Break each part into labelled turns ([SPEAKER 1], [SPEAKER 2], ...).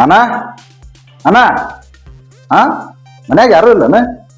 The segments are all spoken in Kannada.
[SPEAKER 1] ಅಣ್ಣ ಅಣ್ಣ ಹಾ ಮನ್ಯಾಗ ಯಾರು ಇಲ್ಲನ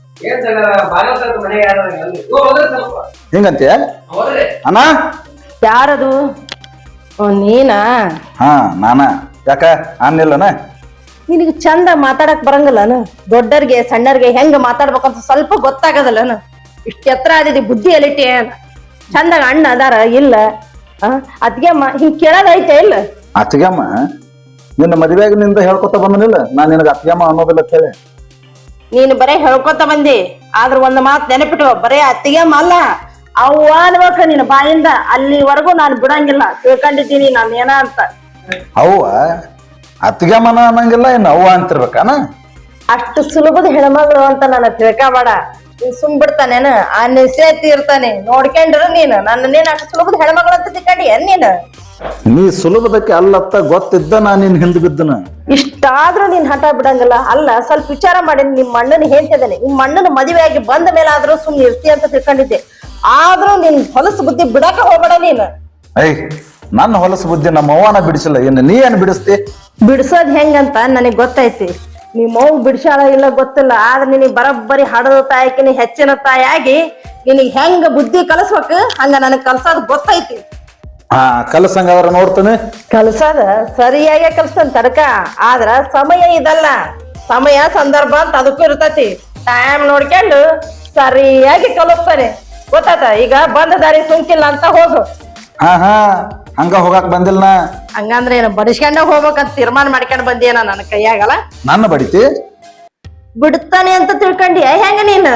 [SPEAKER 1] ಹಿಂಗಂತೆ ಅಣ್ಣ
[SPEAKER 2] ಯಾರದು? ನೀನಾ?
[SPEAKER 1] ಹಾ ನಾನ. ಯಾಕ ಅನ್ನಿಲ್ಲನ?
[SPEAKER 2] ನಿನಗೆ ಚಂದ ಮಾತಾಡಕ್ ಬರಂಗಿಲ್ಲನ? ದೊಡ್ಡರ್ಗೆ ಸಣ್ಣರ್ಗೆ ಹೆಂಗ ಮಾತಾಡ್ಬೇಕಂತ ಸ್ವಲ್ಪ ಗೊತ್ತಾಗದಲ್ಲನ? ಇಷ್ಟ ಎತ್ತರ ಆದಿದಿ ಬುದ್ಧಿ ಎಲಿಟಿ ಚಂದಾಗ ಅಣ್ಣ ಅದಾರ ಇಲ್ಲ? ಅದ್ಗೆಮ್ಮ ಹಿಂಗ್ ಕೇಳೋದೈತೆ ಇಲ್ಲ?
[SPEAKER 1] ಅತ್ತಿಗೆಮ್ಮ ನಿನ್ನ ಮದುವೆಯಾಗಿನಿಂದ ಹೇಳ್ಕೊತ ಬಂದನಿಲ್ಲ ನಾನ್ ನಿನಗ ಅತ್ತಿಗೆಮ್ಮ ಅನ್ನೋದಿಲ್ಲ ಅಂತ ಹೇಳಿ.
[SPEAKER 2] ನೀನು ಬರೇ ಹೇಳ್ಕೊತ ಬಂದಿ, ಆದ್ರ ಒಂದ್ ಮಾತ್ ನೆನಪಿಟ್ಟು, ಬರೇ ಅತ್ತಿಗೆಮ್ಮ ಅಲ್ಲ ಅವ್ವ ಅನ್ಬೇಕ ನಿನ್ನ ಬಾಯಿಂದ. ಅಲ್ಲಿವರೆಗೂ ನಾನು ಬಿಡಂಗಿಲ್ಲ, ತಿಳ್ಕೊಂಡಿದ್ದೀನಿ ನಾನು ಏನ ಅಂತ.
[SPEAKER 1] ಅವ್ವ ಅತ್ತಿಗೆಮ್ಮನ ಅನ್ನಂಗಿಲ್ಲ ಇನ್ನು ಅವ್ವ ಅಂತಿರ್ಬೇಕಾನ?
[SPEAKER 2] ಅಷ್ಟು ಸುಲಭದ ಹೆಣ್ಮಗಳು ಅಂತ ನನ್ನ ತಿಳ್ಕೊಬೇಡ. ನೀನ್ ಸುಮ್ ಬಿಡ್ತಾನೇನು? ಆ ನಿಶ್ಚಯತಿ ಇರ್ತಾನೆ ನೋಡ್ಕೊಂಡ್ರು ನೀನು ನನ್ನೇನ್ ಅಷ್ಟು ಸುಲಭದ ಹೆಣ್ಮಗಳು ಅಂತ ತಿಳ್ಕೊಂಡಿ ನೀನು?
[SPEAKER 1] ನೀ ಸುಲಭದಕ್ಕೆ ಅಲ್ಲತ್ತ ಗೊತ್ತಿದ್ದ ನಾನ್ ನಿನ್ ಹಿಂದ್ ಬಿದ್ದನ.
[SPEAKER 2] ಇಷ್ಟಾದ್ರೂ ನೀನ್ ಹಠ ಬಿಡಂಗಿಲ್ಲ. ಅಲ್ಲ ಸ್ವಲ್ಪ ವಿಚಾರ ಮಾಡಿ, ನಿಮ್ಮ ಅಣ್ಣನ ಹೇಳ್ತಿದ್ದಾನೆ, ನಿಮ್ಮ ಅಣ್ಣನ ಮದುವೆ ಆಗಿ ಬಂದ ಮೇಲೆ ಆದ್ರೂ ಸುಮ್ನೆ ಇರ್ತಿ ಅಂತ ತಿಳ್ಕೊಂಡಿದ್ದೆ. ಆದ್ರೂ ನಿನ್ ಹೊಲಸು ಬುದ್ಧಿ ಬಿಡಾಕ ಹೋಗ್ಬೇಡ ನೀನು.
[SPEAKER 1] ಐ ನನ್ನ ಹೊಲಸು ಬುದ್ಧಿ ನಮ್ಮ ಅವ್ವನ ಬಿಡಿಸಿಲ್ಲ, ಇನ್ನು ನೀ ಏನ್ ಬಿಡಿಸ್ತಿ?
[SPEAKER 2] ಬಿಡ್ಸೋದ್ ಹೆಂಗಂತ ನನಗ್ ಗೊತ್ತೈತಿ. ನಿಮ್ಮ ಅವ್ವ ಬಿಡ್ಸಾಳ ಇಲ್ಲ ಗೊತ್ತಿಲ್ಲ, ಆದ್ರೆ ನಿನಗ್ ಬರೋಬ್ಬರಿ ಹಡದ ತಾಯಕಿನ ಹೆಚ್ಚಿನ ತಾಯಾಗಿ ನಿನಗ್ ಹೆಂಗ ಬುದ್ಧಿ ಕಲಸ್ಬೇಕು ಹಂಗ ನನಗ್ ಕಲ್ಸೋದ್ ಗೊತ್ತೈತಿ.
[SPEAKER 1] ಹಾ ಕಲಸಂಗಾದ್ರ ನೋಡ್ತಾನೆ.
[SPEAKER 2] ಕಲ್ಸದ ಸರಿಯಾಗಿ ಕಲ್ಸನ್ ತಡ್ಕ, ಆದ್ರ ಸಮಯ ಇದಲ್ಲ, ಸಮಯ ಸಂದರ್ಭ ಅಂತ ಅದಕ್ಕೂ ಇರ್ತೈತಿ. ಟೈಮ್ ನೋಡ್ಕೊಂಡು ಸರಿಯಾಗಿ ಕಲಿಸ್ತಾನೆ, ಗೊತ್ತಾತ? ಈಗ ಬಂದ ದಾರಿ ಸುಂಕಿಲ್ಲ ಅಂತ ಹೋಗು.
[SPEAKER 1] ಹಾ ಹಾ ಹಂಗ ಹೋಗಾಕ್ ಬಂದಿಲ್ಲ.
[SPEAKER 2] ಹಂಗಂದ್ರೆ ಏನು ಬಡಿಸ್ಕೊಂಡ ಹೋಗ್ಬೇಕಂತ ತೀರ್ಮಾನ ಮಾಡ್ಕೊಂಡ್ ಬಂದಿಯೇನ? ನನ್ನ ಕೈಯಾಗಲ್ಲ
[SPEAKER 1] ನನ್ನ ಬಡಿತಿ
[SPEAKER 2] ಬಿಡ್ತಾನೆ ಅಂತ ತಿಳ್ಕೊಂಡಿ ಹೆಂಗ ನೀನ್?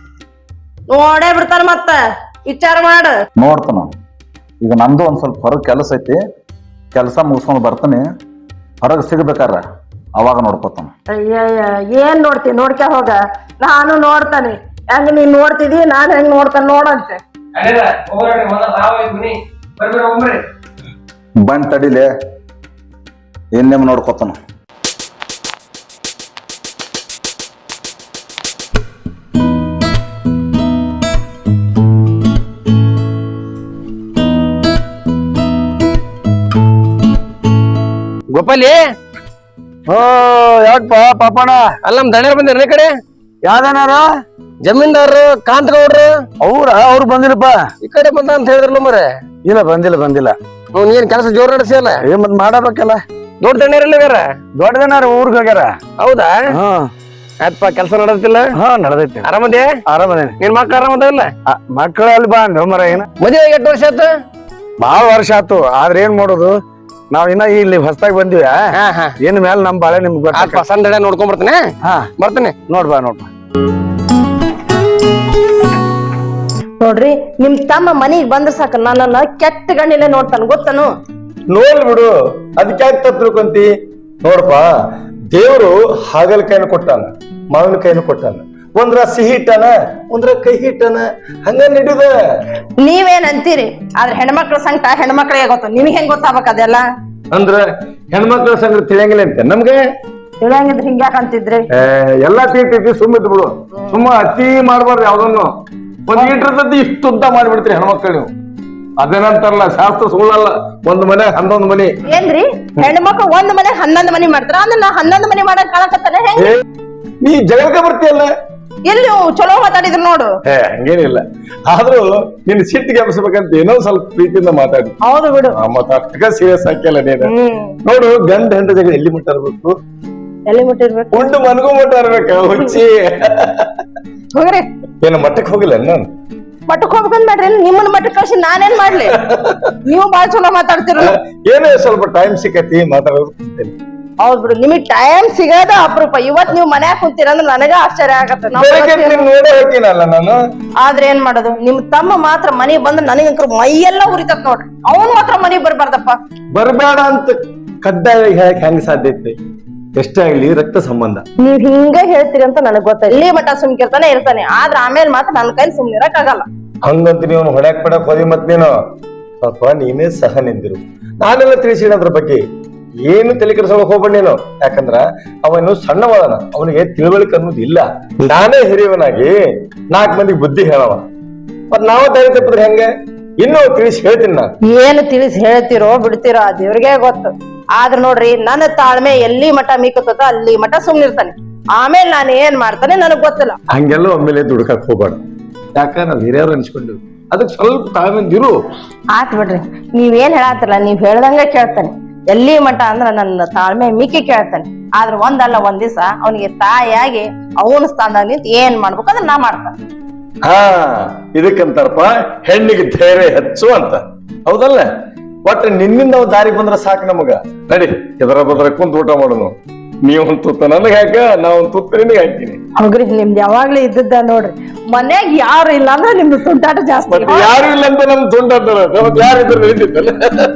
[SPEAKER 2] ನೋಡೇ ಬಿಡ್ತಾನ, ಮತ್ತ ವಿಚಾರ ಮಾಡ.
[SPEAKER 1] ನೋಡ್ತಾನ. ಈಗ ನಂದು ಒಂದ್ ಸ್ವಲ್ಪ ಹೊರಗ್ ಕೆಲಸ ಐತಿ, ಕೆಲಸ ಮುಗಿಸ್ಕೊಂಡ್ ಬರ್ತಾನೆ. ಹೊರಗ್ ಸಿಗ್ಬೇಕಾರ ಅವಾಗ ನೋಡ್ಕೊತಾನ.
[SPEAKER 2] ಅಯ್ಯಯ್ಯ ಏನ್ ನೋಡ್ತಿ? ನೋಡ್ಕ ಹೋಗ, ನಾನು ನೋಡ್ತಾನೆ. ಹೆಂಗ ನೀನ್ ನೋಡ್ತಿದಿ, ನಾನ್ ಹೆಂಗ್ ನೋಡ್ತಾನ ನೋಡಂತೆ.
[SPEAKER 1] ಬಂದ್ ತಡಿಲೆ, ಇನ್ನೇಮ್ ನೋಡ್ಕೊತಾನ.
[SPEAKER 3] ಗೋಪಾಲಿ,
[SPEAKER 4] ಓ ಯಾಕಪ್ಪ ಪಾಪಣ್ಣ?
[SPEAKER 3] ಅಲ್ಲ ನಮ್ ದಣ್ಯರ್ ಬಂದಿರ ಈ ಕಡೆ.
[SPEAKER 4] ಯಾವ್ದನಾರ
[SPEAKER 3] ಜಮೀನ್ದಾರರು ಕಾಂತಗೌಡ್ರು
[SPEAKER 4] ಅವ್ರು ಬಂದಿಲ್ಲಪ್ಪ.
[SPEAKER 3] ಈ ಕಡೆ ಬಂದ ಅಂತ ಹೇಳಿದ್ರಲ್ಲ ಮರೆ.
[SPEAKER 4] ಇಲ್ಲ ಬಂದಿಲ್ಲ.
[SPEAKER 3] ಏನ್ ಕೆಲಸ ಜೋರ್ ನಡೆಸಿಯಲ್ಲ?
[SPEAKER 4] ಏನ್ ಮತ್ ಮಾಡಬೇಕಲ್ಲ.
[SPEAKER 3] ದೊಡ್ಡ ದಣ್ಯರಲ್ಲಿಗಾರ?
[SPEAKER 4] ದೊಡ್ಡದನಾರ ಊರ್ಗ್ ಹೋಗ್ಯಾರ.
[SPEAKER 3] ಹೌದಾ? ಆಯ್ತಪ್ಪ, ಕೆಲಸ ನಡೆದಿಲ್ಲ?
[SPEAKER 4] ನಡೆದೈತಿ.
[SPEAKER 3] ಆರಾಮದೇ?
[SPEAKER 4] ಆರಾಮದೇನಿ.
[SPEAKER 3] ನಿನ್ ಮಕ್ಳು ಆರಾಮದಿಲ್ಲ?
[SPEAKER 4] ಮಕ್ಕಳು ಅಲ್ಲಿ ಬಾ ಮರ ಏನ
[SPEAKER 3] ಮದುವೆ ಎಷ್ಟು ವರ್ಷ ಆಯ್ತು?
[SPEAKER 4] ಬಾಳ ವರ್ಷ ಆತು. ಆದ್ರೆ ಏನ್ ಮಾಡೋದು, ನಾವ್ ಇನ್ನ ಇಲ್ಲಿ ಹೊಸದಾಗಿ ಬಂದಿವ. ಏನ್ ಮ್ಯಾಲ ನಮ್ ಬಾಳೆ ನಿಮ್ಗೆ ಗೊತ್ತ.
[SPEAKER 3] ಸಂದಡೆ ನೋಡ್ಕೊಂಡ್ ಬರ್ತೀನಿ. ಬರ್ತೀನಿ.
[SPEAKER 4] ನೋಡ್ಬಾ.
[SPEAKER 2] ನೋಡ್ರಿ, ನಿಮ್ ತಮ್ಮ ಮನಿಗ್ ಬಂದ್ರ ಸಾಕ ನನ್ನನ್ನ ಕೆಟ್ಟ ಗಣ್ಣಿಲೆ ನೋಡ್ತಾನ, ಗೊತ್ತನು?
[SPEAKER 5] ನೋಲ್ ಬಿಡು, ಅದಕ್ಕೆ ತಿಳ್ಕೊಂತಿ. ನೋಡಪ್ಪ, ದೇವ್ರು ಹಾಗಲಕಾಯಿನ ಕೊಟ್ಟಾನ, ಮಾವಿನಕಾಯಿನ ಕೊಟ್ಟಾನ. ಒಂದ್ರ ಸಿಹಿ ಇಟ್ಟಾನ, ಒಂದ್ರ ಕೈ ಹಿಟ್ಟಾನ, ಹಂಗ ನಡೀದ.
[SPEAKER 2] ನೀವೇನ್ ಅಂತೀರಿ? ಆದ್ರೆ ಹೆಣ್ಮಕ್ಳ ಸಂಕಟ ಹೆಣ್ಮಕ್ಳಿಗೆ ಗೊತ್ತು, ನಿಮ್ಗೆ ಹೆಂಗ್ ಗೊತ್ತಾಗ್ಬೇಕ ಅದೆಲ್ಲ?
[SPEAKER 5] ಅಂದ್ರ ಹೆಣ್ಮಕ್ಳ ಸಂಗಡ ತಿಳಿಯಂಗಿಲ್ಲ ಅಂತ ನಮ್ಗೆ.
[SPEAKER 2] ತಿಳಿಯಂಗಿದ್ರೆ ಹಿಂಗ್ಯಾಕ ಅಂತಿದ್ರಿ?
[SPEAKER 5] ಎಲ್ಲಾ ತೀರ್ತಿ ಸುಮ್ಮಿದ್ ಬಿಡು. ಸುಮ್ಮ ಅತಿ ಮಾಡ್ಬಾರ್ದು ಯಾವ್ದನ್ನು. ಒಂದ್ ಈಟ್ರದ್ದು ಇಷ್ಟು ಉದ್ದ ಮಾಡ್ಬಿಡ್ತೀರಿ ಹೆಣ್ಮಕ್ಳು ನೀವು. ಅದೇನಂತಾರಲ್ಲ, ಶಾಸ್ತ್ರ ಸುಳ್ಳಲ್ಲ. ಒಂದ್ ಮನೆ 11 ಮನಿ.
[SPEAKER 2] ಏನ್ರಿ ಹೆಣ್ಮಕ್ಳು ಒಂದ್ ಮನೆ 11 ಮನಿ ಮಾಡ್ತಾರ? ಅಂದ್ರೆ ನಾ 11 ಮನಿ ಮಾಡಕ್ ಕಾಣಕತ್ತಾನೆ ಹೆಂಗ?
[SPEAKER 5] ನೀ ಜಗಳಕ್ಕೆ ಬರ್ತೀಯಲ್ಲ.
[SPEAKER 2] ಎಲ್ಲಿ ಚಲೋ ಮಾತಾಡಿದ್ರು ನೋಡು.
[SPEAKER 5] ಹಂಗೇನಿಲ್ಲ, ಆದ್ರೂ ನಿನ್ ಸಿಟ್ಟಿಗೆ ಎಬ್ಸ್ಬೇಕಂತ ಏನೋ ಸ್ವಲ್ಪ ಪ್ರೀತಿಯಿಂದ ಮಾತಾಡಿ.
[SPEAKER 2] ಹೌದು ಬಿಡು.
[SPEAKER 5] ಮತ್ತ ಅಷ್ಟಕ್ಕ ಸೀರಿಯಸ್ ಹಾಕಿಲ್ಲ ನೀನು. ನೋಡು, ಗಂಡ ಹೆಂಡ ಜಗಳ ಎಲ್ಲಿ ಮುಟ್ಟ ಇರ್ಬೇಕು?
[SPEAKER 2] ಎಲ್ಲಿ ಮುಟ್ಟಿರ್ಬೇಕು?
[SPEAKER 5] ಉಂಡು ಮನ್ಗೂ ಮುಟ್ಟ ಇರ್ಬೇಕ. ಹುಚ್ಚಿ
[SPEAKER 2] ಹೋಗ್ರಿ.
[SPEAKER 5] ಏನು ಮಟ್ಟಕ್ಕೆ ಹೋಗಿಲ್ಲ ನಾನು?
[SPEAKER 2] ಮಟ್ಟಕ್ ಹೋಗ್ಬೇಕಂತ ಮಾಡ್ರಿ, ನಿಮ್ಮನ್ನ ಮಟ್ಟಕ್ ಕಳ್ಸಿ ನಾನೇನ್ ಮಾಡ್ಲಿ? ನೀವು ಬಾಳ ಚಲೋ ಮಾತಾಡ್ತಿರ.
[SPEAKER 5] ಏನೋ ಸ್ವಲ್ಪ ಟೈಮ್ ಸಿಕ್ಕತಿ ಮಾತಾಡೋದು.
[SPEAKER 2] ಹೌದ್ ಬಿಡು, ನಿಮಗ್ ಟೈಮ್ ಸಿಗೋದ ಅಪರೂಪ. ಇವತ್ ನೀವ್ ಮನ್ಯಾಗ ಕುಂತೀರ ಅಂದ್ರೆ ನನಗ ಆಶ್ಚರ್ಯ ಆಗತ್ತೆ.
[SPEAKER 5] ನೋಡೇ ಹೋಗ್ತೀನಲ್ಲ ನಾನು.
[SPEAKER 2] ಆದ್ರೆ ಏನ್ ಮಾಡೋದು, ನಿಮ್ ತಮ್ಮ ಮಾತ್ರ ಮನೆಗ್ ಬಂದ್ರೆ ನನಗಂಕರು ಮೈಯೆಲ್ಲ ಉರಿತತ್ ನೋಡ್ರಿ. ಅವನು ಮಾತ್ರ ಮನೆಗ್ ಬರ್ಬಾರ್ದಪ್ಪ.
[SPEAKER 5] ಬರ್ಬೇಡ ಅಂತ ಕಡ್ಡಾಯ ಹೇಳಕ್ ಹೆಂಗ್ ಸಾಧ್ಯ ಐತಿ? ಎಷ್ಟೇ ಆಗ್ಲಿ ರಕ್ತ ಸಂಬಂಧ.
[SPEAKER 2] ನೀವ್ ಹಿಂಗ ಹೇಳ್ತೀರಿ ಅಂತ ನನಗ್ ಗೊತ್ತ. ಇಲ್ಲಿ ಮಠ ಸುಮ್ಕಿರ್ತಾನೆ ಇರ್ತಾನೆ, ಆದ್ರ ಆಮೇಲೆ ಮಾತ್ರ ನನ್ ಕೈಲಿ ಸುಮ್ನಿರಕ್ ಆಗಲ್ಲ.
[SPEAKER 5] ಹಂಗಂತ ನೀವು ಹೊಡ್ಯಾಕ್ ಪಡಕ್ ಹೋದಿ. ಮತ್ ನೀನು ಸ್ವಲ್ಪ ನೀನೇ ಸಹ ನಿಂದಿರು. ನಾನೆಲ್ಲ ತಿಳಿಸಿದ ಅದ್ರ ಬಗ್ಗೆ ಏನು ತಲೆ ಕೆಡಿಸೋಕ್ ಹೋಗ್ಬೇಡ ನೀನು. ಯಾಕಂದ್ರ ಅವನು ಸಣ್ಣವಳನ, ಅವನಿಗೆ ತಿಳುವಳಿಕೆ ಅನ್ನೋದು ಇಲ್ಲ. ನಾನೇ ಹಿರಿಯವನಾಗಿ 4 ಮಂದಿಗೆ ಬುದ್ಧಿ ಹೇಳವ. ಮತ್ ನಾವು ದಾರಿ ತಪ್ಪಿದ್ರೆ ಹೆಂಗೆ? ಇನ್ನೂ ತಿಳಿಸಿ ಹೇಳ್ತೀನಿ ನಾನು.
[SPEAKER 2] ಏನು ತಿಳಿಸಿ ಹೇಳ್ತಿರೋ ಬಿಡ್ತಿರೋ ದೇವ್ರಿಗೆ ಗೊತ್ತು. ಆದ್ರ ನೋಡ್ರಿ ನನ್ನ ತಾಳ್ಮೆ ಎಲ್ಲಿ ಮಠ ಮೀಕತ್ತ ಅಲ್ಲಿ ಮಠ ಸುಮ್ನಿರ್ತಾನೆ. ಆಮೇಲೆ ನಾನು ಏನ್ ಮಾಡ್ತಾನೆ ನನಗ್ ಗೊತ್ತಿಲ್ಲ.
[SPEAKER 5] ಹಂಗೆಲ್ಲ ಒಮ್ಮೆಲೆ ದುಡ್ಕಕ್ ಹೋಗ್ಬೇಡ. ಯಾಕ ನಾವ್ ಹಿರಿಯರು ಅನ್ಸ್ಕೊಂಡಿವಿ, ಅದಕ್ಕೆ ಸ್ವಲ್ಪ ತಾಳ್ಮೆಂದಿರು.
[SPEAKER 2] ಆತ್ ಬಿಡ್ರಿ, ನೀವೇನ್ ಹೇಳತ್ತಿಲ್ಲ, ನೀವ್ ಹೇಳ್ದಂಗ ಕೇಳ್ತಾನೆ. ಎಲ್ಲಿ ಮಠ ಅಂದ್ರ ನನ್ನ ತಾಳ್ಮೆ ಮಿಕ್ಕಿ ಕೇಳ್ತಾನೆ. ಆದ್ರ ಒಂದಲ್ಲ ಒಂದ್ ದಿವ್ಸ ಅವನಿಗೆ ತಾಯಿಯಾಗಿ ಅವನ ಸ್ಥಾನದಾಗ ನಿಂತ ಏನ್ ಮಾಡ್ಬೇಕು ಅದನ್ನ ನಾ ಮಾಡ್ತಾನೆ.
[SPEAKER 5] ಹಾ, ಇದಕ್ಕಂತಾರಪ್ಪ ಹೆಣ್ಣಿಗೆ ಧೈರ್ಯ ಹೆಚ್ಚು ಅಂತ. ಹೌದಲ್ಲ? ಒಟ್ಟು ನಿನ್ನಿಂದ ನಾವು ದಾರಿ ಬಂದ್ರ ಸಾಕು ನಮಗ. ನಡಿ, ಎದರ ಬದ್ರ ಕುಂತ ಊಟ ಮಾಡೋನು. ನೀವೊಂದ್ ತುತ್ತ ನನಗೆ ಹಾಕ, ನಾ ಒಂದ್ ತುತ್ತ ನಿನಗೆ ಹಾಕ್ತೀನಿ.
[SPEAKER 2] ಹೌದ್ರಿ, ನಿಮ್ದು ಯಾವಾಗ್ಲೂ ಇದ್ದದ್ದ ನೋಡ್ರಿ. ಮನ್ಯಾಗ ಯಾರು ಇಲ್ಲ ಅಂದ್ರೆ ನಿಮ್ದು ತುಂಟಾಟ ಜಾಸ್ತಿ.
[SPEAKER 5] ಮತ್ತೆ ಯಾರು ಇಲ್ಲ ಅಂತ ನಮ್ ತುಂಟಾಡ್ತಾರ, ನಮಗ್ ಯಾರಿದ್ರು ನಡೀತಿತ್ತಲ್ಲ.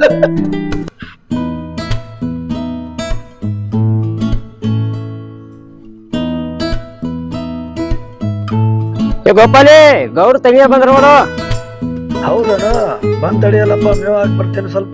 [SPEAKER 3] ಗೋಪಾಲಿ, ಗೌಡ್ ತೆಗಿಯ ಬಂದ್ರ ನೋಡು.
[SPEAKER 4] ಹೌದನ ಬಂದ್ ತಡಿಯಲ್ಲಪ್ಪ, ಮೇವ್ ಹಾಕಿ ಬರ್ತೇನೆ ಸ್ವಲ್ಪ.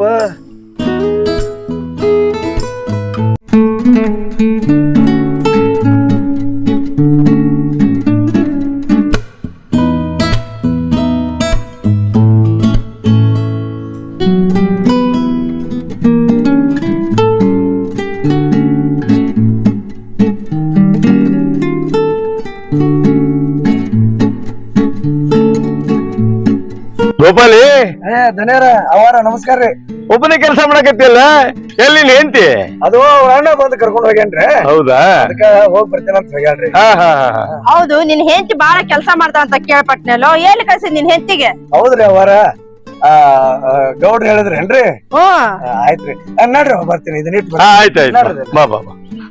[SPEAKER 5] ಗೋಪಾಲಿ,
[SPEAKER 4] ಧನ್ಯರ ಅವಾರ ನಮಸ್ಕಾರ ರೀ.
[SPEAKER 5] ಒಬ್ಬನೇ ಕೆಲಸ ಮಾಡಕತ್ತಿಯಲ್ಲ, ಎಲ್ಲಿ ನೀನ್ ಹೆಂಡ್ತಿ?
[SPEAKER 4] ಅದು ಅವ್ರ ಅಣ್ಣ ಬಂದ್ ಕರ್ಕೊಂಡ್ ಹೋಗ್ಯಾನ್ರಿ.
[SPEAKER 5] ಹೌದಾ?
[SPEAKER 4] ಅದಕ್ಕ ಹೋಗ್ ಬರ್ತೇನೆ ಅಂತ ಹೋಗ್ಯಾನ್ರಿ.
[SPEAKER 5] ಹಾ ಹಾ ಹಾ.
[SPEAKER 2] ಹೌದು, ನಿನ್ ಹೆಂಡತಿ ಬಾಳ ಕೆಲಸ ಮಾಡ್ತಾ ಅಂತ ಕೇಳ್ಪಟ್ನಲ್ಲೋ, ಏನ್ ಕಳ್ಸಿ ನಿನ್ ಹೆಂಡತಿಗೆ?
[SPEAKER 4] ಹೌದ್ರಿ ಅವಾರ, ಗೌಡ್ರು ಹೇಳಿದ್ರೇನ್ರಿ?
[SPEAKER 2] ಹ್ಮ್,
[SPEAKER 4] ಆಯ್ತ್ರಿ. ನಡ್ರಿ ಹೋಗ್ ಬರ್ತೀನಿ, ಇದನ್ನ ಇಟ್ಟು
[SPEAKER 5] ಹಾ, ಆಯ್ತಾಯ್ತು. ಬಾ ಬಾ ಬಾ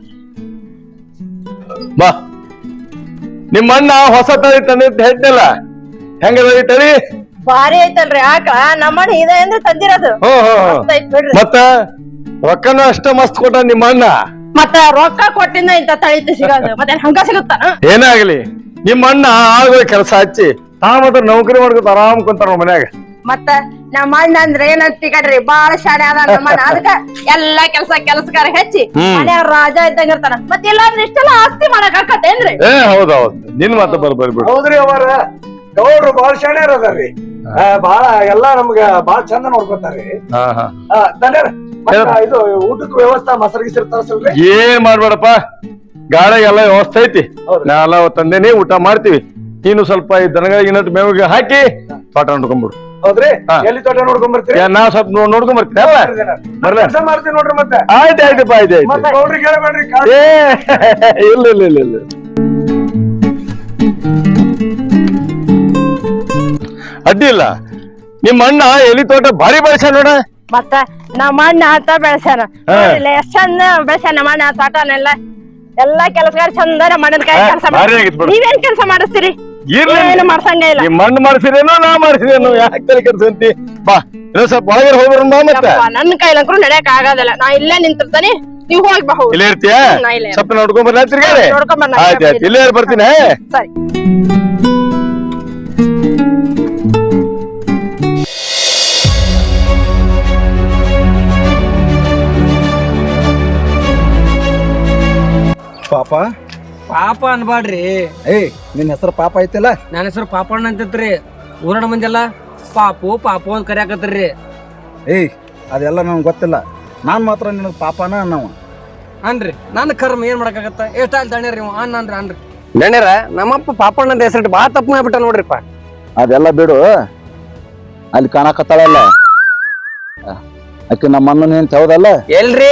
[SPEAKER 5] ಬಾ. ನಿಮ್ಮ ಅಣ್ಣ ಹೊಸ ತಳಿ ತಂದ ಹೇಳ್ತಲ್ಲ, ಹೆಂಗದ ಈ ತಳಿ?
[SPEAKER 2] ಭಾರಿ ಐತಲ್ರಿ ಆಕಳ. ನಮ್ಮಣ್ಣ ಇದೆ ಅಂದ್ರೆ ತಂದಿರೋದು. ಮಸ್ತ್ ಐತ್ ಬಿಡ್ರಿ.
[SPEAKER 5] ಮತ್ತ ರೊಕ್ಕನ ಅಷ್ಟ ಮಸ್ತ್ ಕೊಟ್ಟ ನಿಮ್ಮ ಅಣ್ಣ.
[SPEAKER 2] ಮತ್ತ ರೊಕ್ಕ ಕೊಟ್ಟಿಂದ ಇಂತ ತಳಿತು ಸಿಗೋದು, ಮತ್ತೆ ಹಂಗ ಸಿಗುತ್ತಾನ?
[SPEAKER 5] ಏನಾಗ್ಲಿ, ನಿಮ್ಮ ಅಣ್ಣ ಆಳುಗಳ ಕೆಲಸ ಹಚ್ಚಿ ತಾ ಮಾತ್ರ ನೌಕರಿ ಮಾಡ್ಕೊತ ಆರಾಮ್ ಕುಂತಾರ ನಮ್ಮ ಮನ್ಯಾಗ.
[SPEAKER 2] ಮತ್ತ ನಮ್ಮ ಅಣ್ಣ ಅಂದ್ರೆ ಏನಂತ ಕಡ್ರಿ, ಬಾಳ ಶಾಣೆ ಅದ ನಮ್ಮಣ್ಣ. ಅದಕ್ಕ ಎಲ್ಲಾ ಕೆಲ್ಸಗಾರ ಹೆಚ್ಚಿ ಮನ್ಯಾಗ ರಾಜ ಇದ್ದಂಗ ಇರ್ತಾನ. ಮತ್ತೆ ಇಲ್ಲಾಂದ್ರೆ ಇಷ್ಟೆಲ್ಲ ಆಸ್ತಿ ಮಾಡಕ್ ಆಕತ್ತೇನ್ರಿ?
[SPEAKER 5] ಹೌದೌದು, ನಿನ್ ಮಾತ ಬರ್ಬರಿ ಬಿಡು.
[SPEAKER 4] ಹೌದ್ರಿ ಅವಾರ, ಗೌಡ್ರು ಬಾಳ ಶಾಣ್ಯಾರ ಅದಾರ್ರಿ. ಬಾಳ ಎಲ್ಲಾ ನಮ್ಗ ಬಾಳ ಚಂದ ನೋಡ್ಕೊತಾರ್ರಿ.
[SPEAKER 5] ಹಾ ಹಾ.
[SPEAKER 4] ಧನ್ಯರ, ಇದು ಊಟಕ್ಕೆ ವ್ಯವಸ್ಥೆ ಮೊಸರು ತರಸಲ್ರಿ?
[SPEAKER 5] ಏನ್ ಮಾಡ್ಬೇಡಪ್ಪ, ಗಾಳಿಗೆಲ್ಲ ವ್ಯವಸ್ಥೆ ಐತಿ. ನಾ ಎಲ್ಲ ತಂದೇನಿ, ಊಟ ಮಾಡ್ತೀವಿ. ನೀನು ಸ್ವಲ್ಪ ಈ ದನಗಳಿಗೆ ಇನ್ನೊಟ್ಟು ಮೇವಿಗೆ ಹಾಕಿ ತೋಟ ನೋಡ್ಕೊಂಡ್ಬಿಡು.
[SPEAKER 4] ಹೌದ್ರಿ, ಎಲ್ಲಿ ತೋಟ ನೋಡ್ಕೊಂಡ್ ಬರ್ತೀರಿ?
[SPEAKER 5] ನಾ ಸ್ವಲ್ಪ ನೋಡ್ಕೊಂಡ್ ಬರ್ತೀನಿ.
[SPEAKER 4] ಕೆಲಸ ಮಾಡ್ತೀನಿ ನೋಡ್ರಿ. ಮತ್ತೆ
[SPEAKER 5] ಆಯ್ತಾಯ್ತಪ್ಪ, ಆಯ್ತಾಯ್ತು.
[SPEAKER 4] ಗೌಡ್ರಿಗೆ ಹೇಳ್ಬೇಡ್ರಿ.
[SPEAKER 5] ಇಲ್ಲ ಇಲ್ಲ ಇಲ್ಲ ಇಲ್ಲ. ಅಡ್ಡಿ ಇಲ್ಲ. ನಿಮ್ಮ ಅಣ್ಣ ಎಲಿ ತೋಟ ಭಾರಿ ಬೆಳೆಸ ನೋಡ.
[SPEAKER 2] ಮತ್ತ ನಮ್ಮ ಅಣ್ಣ ಆತ ಬೆಳೆಸ್ಯಾನ, ಎಷ್ಟ್ ಚಂದ ಬೆಳೆಸ್ಯಾನ ನಮ್ಮ ಅಣ್ಣ ತೋಟನೆಲ್ಲ. ಎಲ್ಲಾ ಕೆಲಸಗಾರ ಚಂದ ಮಣ್ಣನ ಕೈ ಕೆಲಸ ಮಾಡಿ. ನೀವೇನ್ ಕೆಲಸ ಮಾಡಿಸ್ತೀರಿ? ಏನು ಮಾಡ್ಸಂಗ ಇಲ್ಲ.
[SPEAKER 5] ನಿಮ್ ಮಣ್ಣು ಮಾಡಿಸಿದೇನೋ ನಾ ಮಾಡಿಸಿದೇನೋ, ಯಾಕೆ ತಲೆ ಕೆಡ್ಸಂತಿ? ಬಾ, ಇನ್ನೊಂದ್ ಸ್ವಲ್ಪ ಒಳಗೆ ಹೋಗ್ಬರೋಣ ಬಾ. ಮತ್ತೆ
[SPEAKER 2] ನನ್ನ ಕೈಲಂಕ್ರು ನಡೆಯಕ್ ಆಗೋದಿಲ್ಲ, ನಾ ಇಲ್ಲೇ ನಿಂತಿರ್ತಾನೆ, ನೀವ್ ಹೋಗಿ ಬಾ.
[SPEAKER 5] ಇಲ್ಲೇ ಇರ್ತೀಯ? ಸ್ವಲ್ಪ ನೋಡ್ಕೊಂಡ್ ಬರ್ಲಾ ತಿರ್ಗಾಡಿ? ಆಯ್ತಾಯ್ತು, ಇಲ್ಲೇ ಬರ್ತೀನಿ.
[SPEAKER 2] ಸರಿ.
[SPEAKER 4] ಪಾಪ
[SPEAKER 6] ಪಾಪ ಅನ್ಬಾಡ್ರಿ.
[SPEAKER 4] ನಿನ್ ಹೆಸರು ಪಾಪ ಐತಿಲ್ಲ?
[SPEAKER 6] ನನ್ನ ಹೆಸರು ಪಾಪಣ್ಣ ಅಂತೈತ್ರಿ. ಊರಣ ಮಂದಿಲ್ಲ ಪಾಪು ಪಾಪು ಅಂತ ಕರ್ಯಾಕತ್ರಿ.
[SPEAKER 4] ಅದೆಲ್ಲ ನನ್ಗೆ ಗೊತ್ತಿಲ್ಲ. ನಾನ್ ಮಾತ್ರ ನಿನಗ್ ಪಾಪನ ಅನ್ನವ
[SPEAKER 6] ಅನ್ರಿ. ನನ್ನ ಕರ್ಮ ಏನ್ ಮಾಡಕ್ಕಾಗತ್ತ? ಎಷ್ಟ ಅಲ್ಲಿ ದಣ್ಯರಿ ಅನ್ರಿ ಅನ್ರಿ.
[SPEAKER 3] ಗಣ್ಯರ, ನಮ್ಮಪ್ಪ ಪಾಪಣ್ಣ ಅಂತ ಹೆಸರಿಟ್ಟು ಬಾಳ ತಪ್ಪು ಮಾಡ್ಬಿಟ್ಟ ನೋಡ್ರಿಪ್ಪ.
[SPEAKER 1] ಅದೆಲ್ಲ ಬಿಡು, ಅಲ್ಲಿ ಕಾಣಕತ್ತಾಳಲ್ಲ ಆಕಿ ನಮ್ಮ ಅಣ್ಣನ ಏನ್ ಹೌದಲ್ಲ?
[SPEAKER 3] ಎಲ್ರಿ?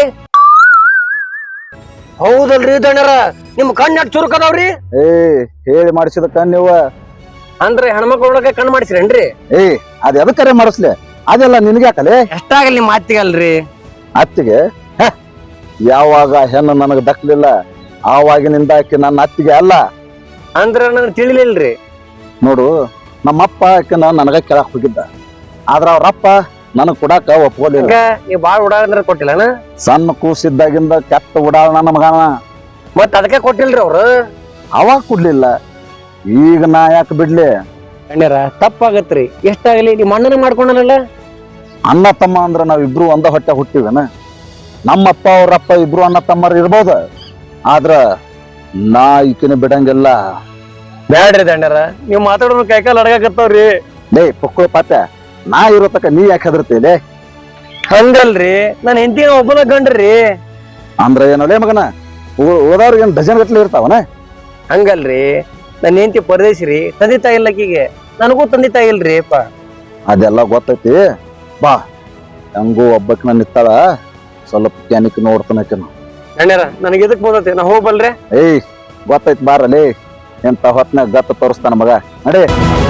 [SPEAKER 3] ಹೌದಲ್ರಿ ದಣ್ಯರ, ನಿಮ್ ಕಣ್ಣು ಚುರುಕದವ್ರಿ.
[SPEAKER 1] ಹೇಳಿ ಮಾಡಿಸಿದ ಕಣ್ಣು
[SPEAKER 3] ಅಂದ್ರೆ ಹೆಣ್ಮಕ್ಳ ಒಳಗೆ ಕಣ್ಣು ಮಾಡಿಸ್ರೇನ್ರಿ?
[SPEAKER 1] ಅದ್ ಎದಕ್ಕರೆ ಮಾಡಿಸ್ಲಿ, ಅದೆಲ್ಲ ನಿನ್ಗೆ ಯಾಕಲೆ?
[SPEAKER 3] ಎಷ್ಟಾಗಲಿ ನಿಮ್ ಮಾತಿಗಲ್ರಿ.
[SPEAKER 1] ಅತ್ತಿಗೆ ಯಾವಾಗ ಹೆಣ್ಣು ನನಗ್ ದಕ್ಲಿಲ್ಲ ಆವಾಗಿನಿಂದ ಆಕಿ ನನ್ನ ಅತ್ತಿಗೆ ಅಲ್ಲ.
[SPEAKER 3] ಅಂದ್ರ ನನಗೆ ತಿಳಿಲಿಲ್ರಿ.
[SPEAKER 1] ನೋಡು, ನಮ್ಮಪ್ಪ ಆಕಿನ ನನಗ ಕೇಳಕ್ ಹೋಗಿದ್ದ, ಆದ್ರ ಅವ್ರಪ್ಪ ನನಗ್ ಕೊಡಾಕ ಒಪ್ಕೊಲಿಲ್ಲ.
[SPEAKER 3] ನೀವ್ ಬಾಳ್ ಉಡಾಳ ಕೊಟ್ಟಿಲ್ಲನ?
[SPEAKER 1] ಸಣ್ಣ ಕೂಸಿದ್ದಾಗಿಂದ ಕೆಟ್ಟ ಉಡಾಳ ನನ್ನ ಮಗನ.
[SPEAKER 3] ಮತ್ ಅದಕ್ಕೆ ಕೊಟ್ಟಿಲ್ರಿ ಅವ್ರು?
[SPEAKER 1] ಅವಾಗ ಕೊಡ್ಲಿಲ್ಲ, ಈಗ ನಾ ಯಾಕೆ ಬಿಡ್ಲಿ?
[SPEAKER 3] ಗಣ್ಯರ, ತಪ್ಪಾಗತ್ರಿ. ಎಷ್ಟಾಗಲಿ ನಿಮ್ ಅಣ್ಣನ ಮಾಡ್ಕೊಂಡಲ್ಲ.
[SPEAKER 1] ಅಣ್ಣ ತಮ್ಮ ಅಂದ್ರ ನಾವಿಬ್ರು ಒಂದ ಹೊಟ್ಟೆ ಹುಟ್ಟಿವೇನ? ನಮ್ಮಪ್ಪ ಅವ್ರಪ್ಪ ಇಬ್ರು ಅಣ್ಣ ತಮ್ಮರು ಇರ್ಬೋದ, ಆದ್ರ ನಾ ಈಕಿನ ಬಿಡಂಗಿಲ್ಲ.
[SPEAKER 3] ಬ್ಯಾಡ್ರಿ ದಂಡರ, ನೀವ್ ಮಾತಾಡೋರು ಕೈಕಾಲ್ ಅಡಗಾಕತ್ತವ್ರಿ.
[SPEAKER 1] ಲೇ ಪುಕ್ಕಳು ಪಾತ, ನಾ ಇರೋ ತಕ ನೀ ಯಾಕೆ ಹೆದರ್ತೀಲೆ?
[SPEAKER 3] ಹಂಗಲ್ರಿ ನನ್ ಹೆಂಡತಿ ಒಬ್ಬನ ಗಂಡ್ರಿ.
[SPEAKER 1] ಅಂದ್ರ ಏನಲ್ಲೇ ಮಗನ, ಓದವ್ರಿಗೆ ಡಜನ್ ಗಟ್ಲೆ ಇರ್ತಾವನ?
[SPEAKER 3] ಹಂಗಲ್ರಿ, ನನ್ ಹೆಂಡತಿ ಪರದೇಶಿ ತಂದೆ ತಾಯಿ ಇಲ್ಲಕಿಗೆ, ನನಗೂ ತಂದೆ ತಾಯಿ ಇಲ್ರಿ ಅಪ್ಪ.
[SPEAKER 1] ಅದೆಲ್ಲ ಗೊತ್ತೈತಿ. ಬಾ, ಹಂಗೂ ಒಬ್ಬಕ್ನ ನಿತ್ತಾಳ, ಸ್ವಲ್ಪ ಕ್ಯಾನಿಕ್ ನೋಡ್ತಾನಕೇನು.
[SPEAKER 3] ಅಣ್ಣ್ಯಾರ ನನಗೆ ಇದಕ್ ಬಂದತಿ, ನಾ ಹೋಗ್ಬಲ್ರಿ.
[SPEAKER 1] ಏಯ್ ಗೊತ್ತೈತಿ, ಬಾರಲ್ಲಿ ಎಂತ ಹೊತ್ನಾಗ ಗತ್ತ ತೋರಿಸ್ತಾನ ಮಗ, ನಡಿ.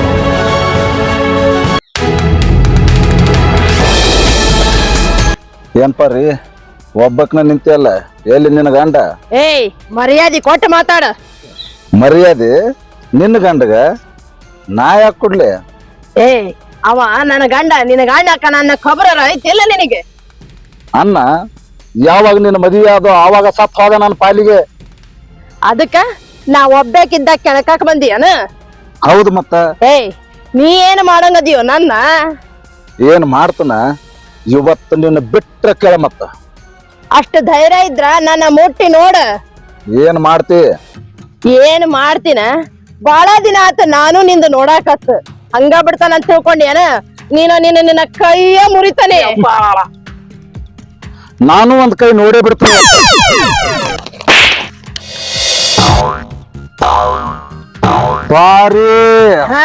[SPEAKER 1] ಏನ್ಪಾರಿ ಒಬ್ಬಕ್ನ ನಿಂತಿಯಲ್ಲ, ಎಲ್ಲಿ ನಿನ್ನ ಗಂಡ?
[SPEAKER 2] ಏಯ್ ಮರ್ಯಾದೆ ಕೊಟ್ಟು ಮಾತಾಡ.
[SPEAKER 1] ಮರ್ಯಾದೆ ನಿನ್ನ ಗಂಡಗ ನಾ ಯಾಕೆ ಕೊಡ್ಲಿ?
[SPEAKER 2] ಏಯ್ ಅವ ನನ್ನ ಗಂಡ, ನಿನ್ನ ಗಂಡ ನನ್ನ ಖಬರ ಐತಿಲ್ಲ ನಿನಗೆ?
[SPEAKER 1] ಅನ್ನ ಯಾವಾಗ ನಿನ್ನ ಮದುವೆ ಆದೋ ಆವಾಗ ಸತ್ ಹೋದ ನನ್ನ ಪಾಲಿಗೆ.
[SPEAKER 2] ಅದಕ್ಕ ನಾ ಒಬ್ಬೇಕಿದ್ದ ಕೆಣಕಾಕ್ ಬಂದಿಯನ?
[SPEAKER 1] ಹೌದು ಮತ್ತ.
[SPEAKER 2] ಏಯ್ ನೀ ಏನ್ ಮಾಡಂಗದಿಯೋ ನನ್ನ?
[SPEAKER 1] ಏನ್ ಮಾಡ್ತಾನ ಇವತ್ತು ನಿನ್ನ ಬಿಟ್ರ ಕೇಳ. ಮತ್ತ
[SPEAKER 2] ಅಷ್ಟು ಧೈರ್ಯ ಇದ್ರ ನನ್ನ ಮುಟ್ಟಿ ನೋಡ.
[SPEAKER 1] ಏನ್ ಮಾಡ್ತಿ?
[SPEAKER 2] ಏನ್ ಮಾಡ್ತೀನ? ಬಾಳ ದಿನ ಆತ ನಾನು ನಿಂದ ನೋಡಾಕತ್, ಹಂಗ ಬಿಡ್ತಾನ ಅಂತ ತಿಳ್ಕೊಂಡ್ಯಾನ ನೀನು? ನಿನ್ನ ಕೈಯ ಮುರಿತಾನೆ.
[SPEAKER 1] ನಾನು ಒಂದ್ ಕೈ ನೋಡೇ ಬಿಡ್ತೀನಿ. ಬಾರಿ
[SPEAKER 2] ಹಾ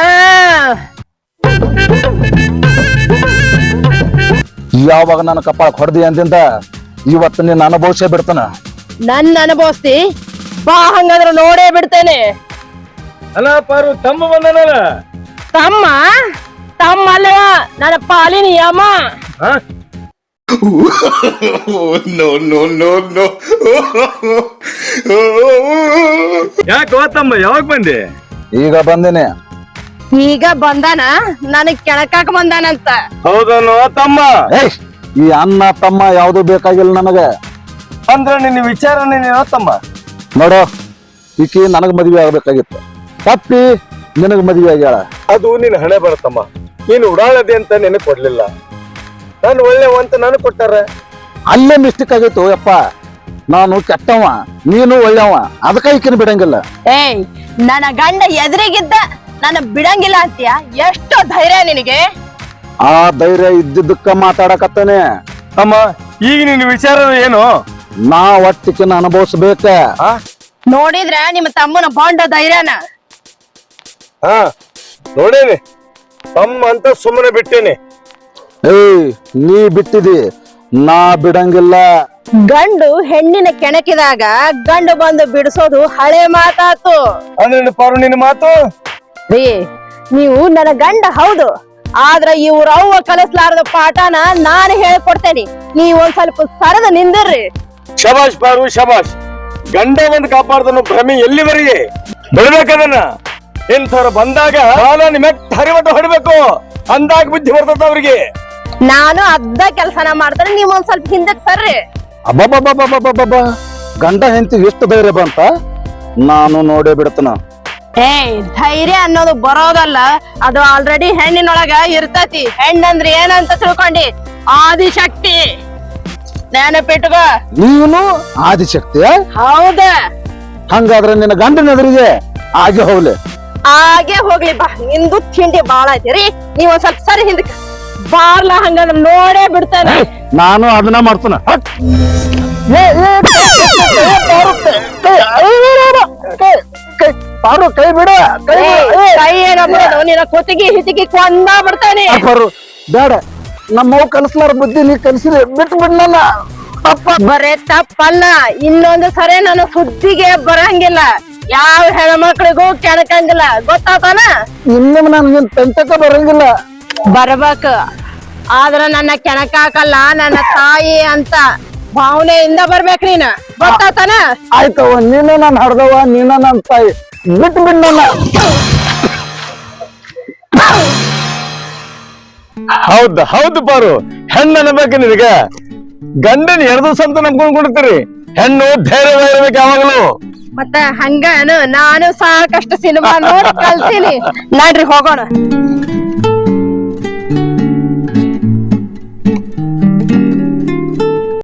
[SPEAKER 1] ಯಾವಾಗ ನನ್ನ ಕಪಾಳ ಹೊಡೆದಿ ಅಂದಿಂದ ಇವತ್ತು ನೀನ್ ಅನುಭವಿಸೇ ಬಿಡ್ತಾನ.
[SPEAKER 2] ನನ್ನ ಅನುಭವಿಸ್ತಿ ಬಾ, ಹಂಗಂದ್ರ ನೋಡೇ ಬಿಡ್ತೇನೆ.
[SPEAKER 5] ಅಲ್ಲ ಪಾರು, ತಮ್ಮ ಬಂದನಲ್ಲ.
[SPEAKER 2] ತಮ್ಮ ತಮ್ಮ ಅಲ್ಲವ, ನನ್ನ ಪಾಲಿನ ಯಮ.
[SPEAKER 5] ಯಾಕೆ ತಮ್ಮ ಯಾವಾಗ ಬಂದೆ?
[SPEAKER 1] ಈಗ ಬಂದಿನಿ.
[SPEAKER 2] ಈಗ ಬಂದಾನ, ನನಗ್ ಕೆಣಕಾಕ ಬಂದಾನಂತ.
[SPEAKER 5] ಹೌದನೋ ತಮ್ಮ?
[SPEAKER 1] ಏಯ್ ಈ ಅನ್ನ ತಮ್ಮ ಯಾವ್ದು ಬೇಕಾಗಿಲ್ಲ ನನಗ.
[SPEAKER 5] ಅಂದ್ರ ನಿನ್ನ ವಿಚಾರನೇನೋ ತಮ್ಮ?
[SPEAKER 1] ನೋಡೋ, ಈಕಿ ನನಗ್ ಮದ್ವೆ ಆಗ್ಬೇಕಾಗಿತ್ತು, ತಪ್ಪಿ ನಿನಗ್ ಮದ್ವೆ ಆಗ್ಯಾಳ.
[SPEAKER 5] ಅದು ನಿನ್ನ ಹಣೆ ಬರುತ್ತಮ್ಮ. ನೀನು ಉಡಾಳದೆ ಅಂತ ನೆನಪು ಕೊಡ್ಲಿಲ್ಲ, ನಾನು ಒಳ್ಳೆವಂತ ನಾನು ಕೊಟ್ಟಾರ.
[SPEAKER 1] ಅಲ್ಲೇ ಮಿಸ್ಟೇಕ್ ಆಗಿತ್ತು ಯಪ್ಪ. ನಾನು ಕೆಟ್ಟವ, ನೀನು ಒಳ್ಳೆವ, ಅದಕ್ಕ ಈಕಿನ ಬಿಡಂಗಿಲ್ಲ.
[SPEAKER 2] ಏಯ್ ನನ್ನ ಗಂಡ ಎದುರಿಗಿದ್ದ ನನ್ನ ಬಿಡಂಗಿಲ್ಲ ಅಂತೀಯ? ಎಷ್ಟು ಧೈರ್ಯ ನಿನಗೆ?
[SPEAKER 1] ಆ ಧೈರ್ಯ ಇದ್ದಿದ್ದಕ್ಕ ಮಾತಾಡಕತ್ತಾನೆ.
[SPEAKER 5] ಅಮ್ಮ, ಈಗ ನಿನ್ನ ವಿಚಾರ ಏನು?
[SPEAKER 1] ನಾ ಒಟ್ಟಿಕಿನ ಅನುಭವಿಸ್ಬೇಕ.
[SPEAKER 2] ನೋಡಿದ್ರ ನಿಮ್ಮ ತಮ್ಮನ ಬಾಂಡ ಧೈರ್ಯನ?
[SPEAKER 5] ಹಾ ನೋಡೇನಿ, ತಮ್ಮ ಅಂತ ಸುಮ್ಮನೆ ಬಿಟ್ಟೇನಿ.
[SPEAKER 1] ಏಯ್ ನೀ ಬಿಟ್ಟಿದಿ, ನಾ ಬಿಡಂಗಿಲ್ಲ.
[SPEAKER 2] ಗಂಡು ಹೆಣ್ಣಿನ ಕೆಣಕಿದಾಗ ಗಂಡು ಬಂದು ಬಿಡಿಸೋದು ಹಳೆ ಮಾತಾತು.
[SPEAKER 5] ಅಂದ್ರೆ ಪಾರು ನಿನ್ನ ಮಾತು?
[SPEAKER 2] ರೀ, ನೀವು ನನ್ನ ಗಂಡ ಹೌದು, ಆದ್ರ ಇವ್ರ ಅವ್ವ ಕಲಿಸ್ಲಾರದ ಪಾಠನ ನಾನು ಹೇಳ್ಕೊಡ್ತೇನೆ. ನೀವ್ ಒಂದ್ ಸ್ವಲ್ಪ ಸರದ ನಿಂದಿರ್ರಿ.
[SPEAKER 5] ಶಬಾಷ್ ಪಾರು, ಶಬಾಷ್. ಗಂಡ ಬಂದು ಕಾಪಾಡ್ದನು ಭ್ರಮೆ ಎಲ್ಲಿವರೆಗೆ ಬಿಡ್ಬೇಕದನ್ನ? ಇಂಥವ್ರು ಬಂದಾಗ ಮೆಟ್ಟ ಹರಿಮಟ್ಟ ಹೊಡಿಬೇಕು, ಅಂದಾಗ ಬುದ್ಧಿ ಬರ್ತದ ಅವ್ರಿಗೆ.
[SPEAKER 2] ನಾನು ಅದ್ದ ಕೆಲ್ಸನ ಮಾಡ್ತಾರೆ, ನೀವ್ ಒಂದ್ ಸ್ವಲ್ಪ ಹಿಂದಕ್ ಸರ್ರಿ.
[SPEAKER 1] ಅಬ್ಬಬ್ಬಬ್ಬಬ್ಬಬ್ಬಬ್ಬ, ಗಂಡ ಹೆಂಡತಿ ಎಷ್ಟು ಧೈರ್ಯ ಬಂತ, ನಾನು ನೋಡೇ ಬಿಡ್ತನ.
[SPEAKER 2] ಏಯ್ ಧೈರ್ಯ ಅನ್ನೋದು ಬರೋದಲ್ಲ, ಅದು ಆಲ್ರೆಡಿ ಹೆಣ್ಣಿನೊಳಗ ಇರ್ತತಿ. ಹೆಣ್ಣಂದ್ರೆ ಏನಂತ ತಿಳ್ಕೊಂಡಿ? ಆದಿಶಕ್ತಿ. ನೆನಪಿಟ್ಕೋ.
[SPEAKER 1] ನೀನು ಆದಿಶಕ್ತಿ?
[SPEAKER 2] ಹೌದ.
[SPEAKER 1] ಹಂಗಾದ್ರೆ ನಿನ್ನ ಗಂಡನ ಎದುರಿಗೆ ಆಗಿ ಹೋಗ್ಲಿ.
[SPEAKER 2] ಹಾಗೆ ಹೋಗ್ಲಿ ಬಾ, ನಿಂದು ತಿಂಡಿ ಬಾಳ ಐತಿರಿ. ನೀವ್ ಒಂದ್ ಸ್ವಲ್ಪ ಸರಿ ಹಿಂದಕ್ಕೆ ಬಾರ್ಲ, ಹಂಗಂದ್ರೆ ನೋಡೇ ಬಿಡ್ತಾನೆ.
[SPEAKER 1] ನಾನು ಅದನ್ನ ಮಾಡ್ತಾನ. ಕೈ ಬಿಡ.
[SPEAKER 2] ಕೈ ಏನಪ್ಪ, ನಿನ್ನ ಕುತ್ತಿಗೆ ಹಿತಿಗೆ ಕೊಂದ ಬಿಡ್ತಾನೆ.
[SPEAKER 1] ಬೇಡ, ನಮ್ಮವ್ ಕಲಿಸ್ಲಾರ ಬುದ್ಧಿ ನೀ ಕಲಿಸಿದ್ರೆ ಬಿಟ್ಟು ಬಿಡ್ನಲ್ಲ.
[SPEAKER 2] ಬರೇ ತಪ್ಪಲ್ಲ, ಇನ್ನೊಂದು ಸರಿ ನನ್ನ ಸುದ್ದಿಗೆ ಬರಂಗಿಲ್ಲ. ಯಾವ ಹೆಣ್ಮಕ್ಳಿಗೂ ಕೆಣಕಂಗಿಲ್ಲ, ಗೊತ್ತಾತಾನ?
[SPEAKER 1] ಇನ್ನೊಮ್ಮೆ ನನ್ಗೆ ತಂತಕ ಬರಂಗಿಲ್ಲ.
[SPEAKER 2] ಬರ್ಬೇಕು, ಆದ್ರ ನನ್ನ ಕೆಣಕಾಕಲ್ಲ, ನನ್ನ ತಾಯಿ ಅಂತ ಭಾವನೆಯಿಂದ ಬರ್ಬೇಕ್ ನೀನ, ಗೊತ್ತಾತಾನ?
[SPEAKER 1] ಆಯ್ತವ, ನೀನು ನಾನು ಹಡ್ದವ, ನೀನ ನನ್ನ ತಾಯಿ, ಬಿಟ್ಟು ಬಿಡ್ನಲ್ಲ.
[SPEAKER 5] ಹೌದು ಹೌದು ಪಾರು, ಹೆಣ್ಣು ಅನ್ಬೇಕು ನಿನಗ. ಗಂಡನ 2 ದಿವಸ ಅಂತ ನಂಬ್ಕೊಂಡ್ ಕೊಡ್ತೀರಿ, ಹೆಣ್ಣು ಧೈರ್ಯವಾಗಿರ್ಬೇಕು ಯಾವಾಗಲೂ.
[SPEAKER 2] ಮತ್ತ ಹಂಗಾನು ನಾನು ಸಾಕಷ್ಟು ಸಿನಿಮಾ ನೋಡಿ ಕಲ್ತೀನಿ. ನಡ್ರಿ ಹೋಗೋಣ.